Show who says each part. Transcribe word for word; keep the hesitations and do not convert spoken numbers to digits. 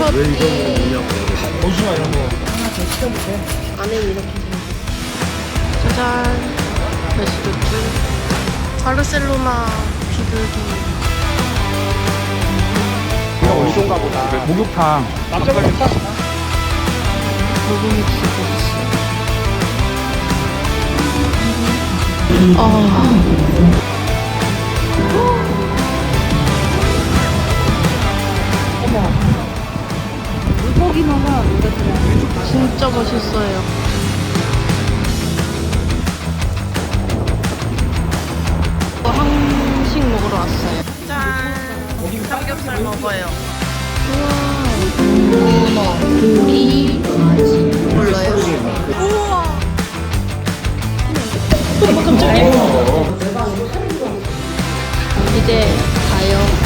Speaker 1: 왜 이런 거 뭐냐고.
Speaker 2: 오징어 이런 거.
Speaker 3: 안에 이렇게 생겼어.
Speaker 4: 짜잔. 베스루트. 바르셀로나 비둘기.
Speaker 2: 이거 어디선가 보다. 목욕탕. 남자가 있다.
Speaker 4: 고기믹스 베이스. 아.
Speaker 3: 물고기마다 노래들은
Speaker 4: 진짜 맛있어요. 한식 먹으러 왔어요. 짠! 삼겹살 먹어요. 우와. 고기, 몰라요? 우와. 깜짝이야. 이제 가요.